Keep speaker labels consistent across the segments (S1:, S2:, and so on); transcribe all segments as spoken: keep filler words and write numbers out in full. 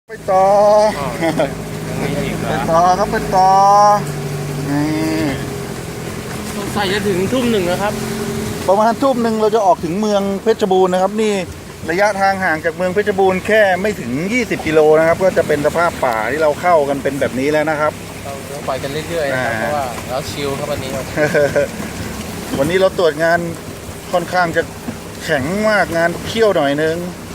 S1: ไปต่อไปต่อครับไปต่อนี่
S2: ใส่จะถึงทุ่มหนึ่งนะครับ
S1: ประมาณทุ่มหนึ่งเราจะออกถึงเมืองเพชรบูรณ์นะครับนี่ระยะทางห่างจากเมืองเพชรบูรณ์แค่ไม่ถึงยี่สิบกิโลนะครับก็จะเป็นสภาพป่าที่เราเข้ากันเป็นแบบนี้แล้วนะครับ
S2: เราไปกันเรื่อยๆนะครับเพราะว่าเราชิลครับวันนี้ครับ
S1: วันนี้เราตรวจงานค่อนข้างจะแข็งมากงานเขี้ยวหน่อยนึง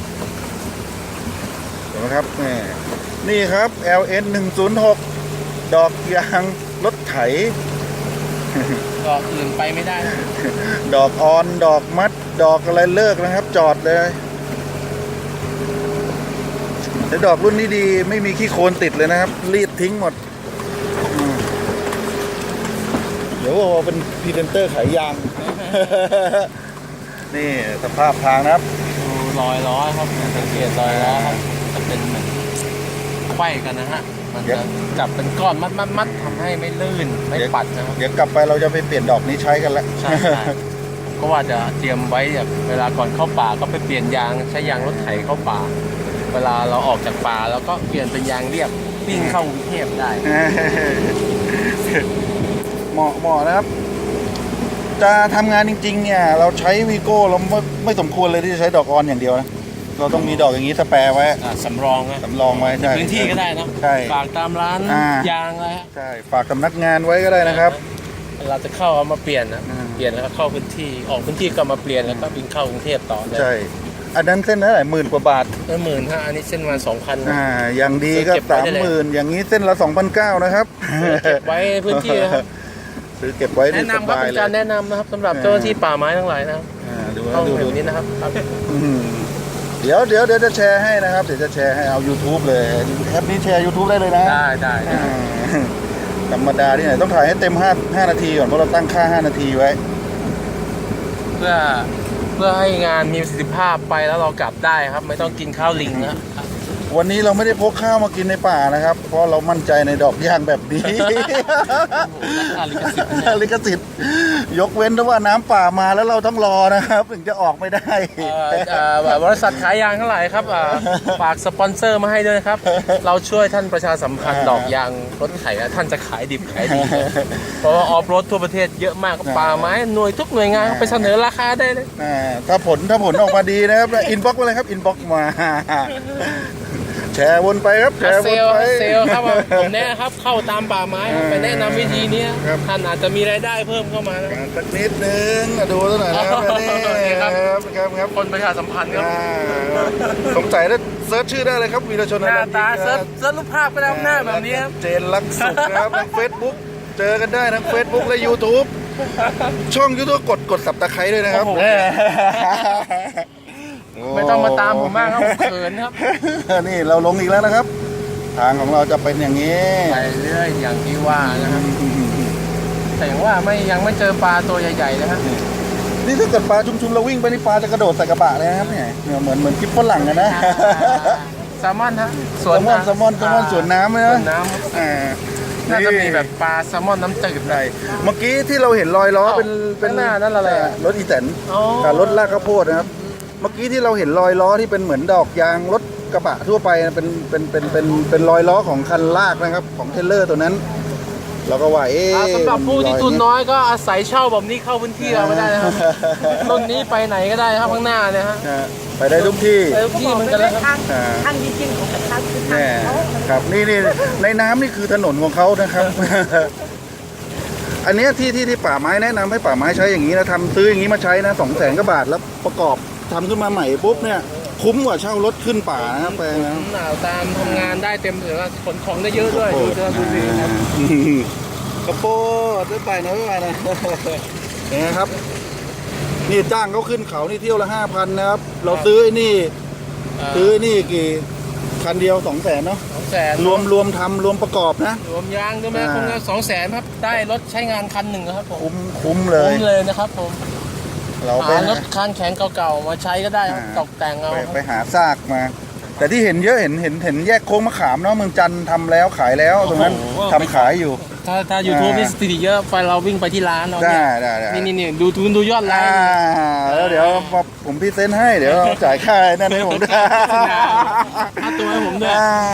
S1: เห็นไหมครับนี่นี่ครับ แอล เอ็น หนึ่งศูนย์หก ดอกยางรถไถ
S2: ดอกอื่นไปไม่ได้
S1: ดอกออนดอกมัดดอกอะไรเลิกนะครับจอดเลยแต่ดอกรุ่นนี้ดีไม่มีขี้โคลนติดเลยนะครับรีดทิ้งหมดเดี๋ยวว่าเป็นพรีเซนเตอร์ขายยางนี่สภาพทางนะครับ
S2: รอยล้อครับสังเกตรอยล้อครับจะเป็นเหมือนไขว้กันนะฮะมันจะจับเป็นก้อนมัดมัดมัดทำให้ไม่ลื่นไม่ปัดนะครับ
S1: เดี๋ยวกลับไปเราจะไปเปลี่ยนดอกนี้ใช้กันแล้ว
S2: ใช่ก็ว่าจะเตรียมไว้แบบเวลาก่อนเข้าป่าก็ไปเปลี่ยนยางใช้ยางรถไถเข้าป่าเวลาเราออกจากป่าแล้วก็เปลี่ยนเป็นยางเรียบวิ่งเข้ากรุงเทพได้
S1: เหมาะเหมาะนะครับจะทำงานจริงๆเนี่ยเราใช้วีโก้เราไม่ไม่สมควรเลยที่จะใช้ดอกออนอย่างเดียวนะเราต้องมีดอกอย่างนี้สแปร์ไว้
S2: สำรองนะ
S1: สำรองไว้ใช่
S2: พื้นที่ก็ได้นะ
S1: ใช่
S2: ฝากตามร้านยางอะไรฮะ
S1: ใช่ฝากสำนักงานไว้ก็ได้นะครับ
S2: เราจะเข้าเอามาเปลี่ยนนะเปลี่ยนแล้วก็เข้าพื้นที่ออกพื้นที่ก็มาเปลี่ยนแล้วก็บินเข้ากรุงเทพต่อ
S1: ใช่อันนั้นเส้นเท่าไหร่หมื่นกว่าบาท
S2: เออหมื่นฮะอันนี้เส้นวันสองพัน
S1: อ่าอย่างดีก็สามหมื่นอย่างนี้เส้นละสองพันเก้านะครับ
S2: เก็บไว้พื้นที่นะครับ
S1: ซื้อเก็บไว้
S2: แนะนำครับเป็นการแนะนำนะครับสำหรับเจ้าหน้าที่ป่าไม้ทั้งหลายนะครับเข้าดูนี่นะครับ
S1: เดี๋ยวเดี๋ยวเดี๋ยวจะแชร์ให้นะครับเดี๋ยวจะแชร์ให้เอา YouTube เลยแอปนี้แชร์ YouTube ได้เลยนะ
S2: ได้ได้
S1: ธรรมดาที่ไหนต้องถ่ายให้เต็มห้า ห้านาทีก่อนเพราะเราตั้งค่าห้านาทีไว้
S2: เพื่อเพื่อให้งานมีประสิทธิภาพไปแล้วเรากลับได้ครับไม่ต้องกินข้าวลิงนะ
S1: วันนี้เราไม่ได้พกข้าวมากินในป่านะครับเพราะเรามั่นใจในดอกยางแบบนี้ลิขสิทธิ์ยกเว้นถ้าว่าน้ำป่ามาแล้วเราต้องรอนะครับถึงจะออกไม่ได้
S2: บริษัทขายยางทั้งหลายครับฝากสปอนเซอร์มาให้ด้วยนะครับเราช่วยท่านประชาสัมพันธ์ดอกยางรถไถท่านจะขายดิบขายดีเพราะว่าออฟโรดทั่วประเทศเยอะมากป่าไม้หน่วยทุกหน่วยงานไปเสนอราคาได้เลย
S1: ถ้าผลถ้าผลออกมาดีนะครับอินบ็อกซ์มาเลยครับอินบ็อกซ์มาแชร์วนไปครับแชร์วนไป
S2: เซลครับผมแนะครับเข้าตามป่าไม้ไปแนะนำวิธีนี้ท่านอาจจะมีรายได้เพิ่มเข้ามา
S1: สักนิดนึงดูสักหน่อยนะครับนี่ครับครับครับ
S2: คนประชาสัมพันธ์ครับ
S1: สงสัยแล้วเซิร์ชชื่อได้เลยครับวีรชน
S2: หน้าตาเซิร์ชเซิร์ชรูปภาพก็ได้หน้าแบบนี้ครับ
S1: เจนลักสุขครับทางเฟซบุ๊กเจอกันได้ทั้งเฟซบุ๊กและยูทูบช่องยูทูบกดกดสับตะไคร้ด้วยนะครับ
S2: ไม่ต้องมาตามผมมากครับผมเขินครับ
S1: นี่เราลงอีกแล้วนะครับทางของเราจะเป็นอย่างนี้
S2: ไปเรื่อยอย่างที่ว่านะครับแต่อย่างว่าไม่ยังไม่เจอปลาตัวใหญ่ๆนะครับ
S1: นี่ถ้าเกิดปลาชุมๆเราวิ่งไปนี่ปลาจะกระโดดใส่กระบะเลยนะครับเนี่ยเหมือนเหมือนกิ๊บฝรั่งกันนะ
S2: แซลมอนฮะ
S1: สวนแซลมอนแซลมอนสวนน้ำนะ
S2: น้ำน่าจะมีแบบปลาแซลมอนน้ำจืด
S1: ได้เมื่อกี้ที่เราเห็นรอยล้อเป็นเป็น
S2: หน้านั่นอะไร
S1: รถอีแตนกับรถลากข้าวโพดนะครับเมื่อกี้ที่เราเห็นรอยล้อที่เป็นเหมือนดอกยางรถกระบะทั่วไปเป็นเป็นเป็นเป็นเป็นรอยล้อของคันลากนะครับของเทรลเลอร์ตัวนั้นเราก็ว่าเอ๊ะ
S2: สำหรับผู้ที่ทุนน้อยก็อาศัยเช่าแบบนี้เข้าพื้นที่เราไม่ได้นะครับรุ่นนี้ไปไหนก็ได้ครับข้างหน้าเนี่ยฮะ
S1: ไปได้ทุกที่
S2: ไปทุกที่มันกันแล้วครับ
S3: ทางจริงๆของกระชับคือทางเขา
S1: ครับนี่นี่ในน้ำนี่คือถนนของเขานะครับอันนี้ที่ที่ที่ป่าไม้แนะนำให้ป่าไม้ใช้อย่างนี้นะทำซื้ออย่างนี้มาใช้นะสองแสนกว่าบาทแล้วประกอบทำขึ้นมาใหม่ปุ๊บเนี่ยคุ้มกว่าเช่ารถขึ้นป่านะแปลงนะ
S2: หนาวตามทำงานได้เต็มเลยว่าขนของได้เยอะด้วยดูเจอดูดีครับ
S1: กระโปรงได้ไปนะไม่ไปนะเห็นไหมครับนี่จ้างเขาขึ้นเขานี่เที่ยวละห้าพันนะครับเราซื้อนี่ซื้อนี่กี่คันเดียวสองแสนเนาะ
S2: สองแสน
S1: รวมรวมทำรวมประกอบนะ
S2: รวมยางด้วยไหมคงจะสองแสนครับได้รถใช้งานคันหนึ่งครับผม
S1: คุ้มคุ้มเลย
S2: คุ้มเลยนะครับผมเราไปรถคันแข็งเก่าๆมาใช้ก็ได้ตกแต่งเอา
S1: ไปหาซากมาแต่ที่เห็นเยอะเห็นเห็นเห็นแยกโค้งมะขามเนาะเมืองจันทร์ทำแล้วขายแล้วตรงนั้นทำขายอยู่
S2: ถ้าถ้ายูทูบนี่สถิติเยอะไฟเราวิ่งไปที่ร้านเราเนี่ยนี่นี่นี่ดูทุนดูยอดไลค์
S1: แล้วเดี๋ยวผมพรีเซนต์ให้เดี๋ยวจ่ายค่านั่นให้ผมด้วย
S2: ค่าตัวให้ผมด้วย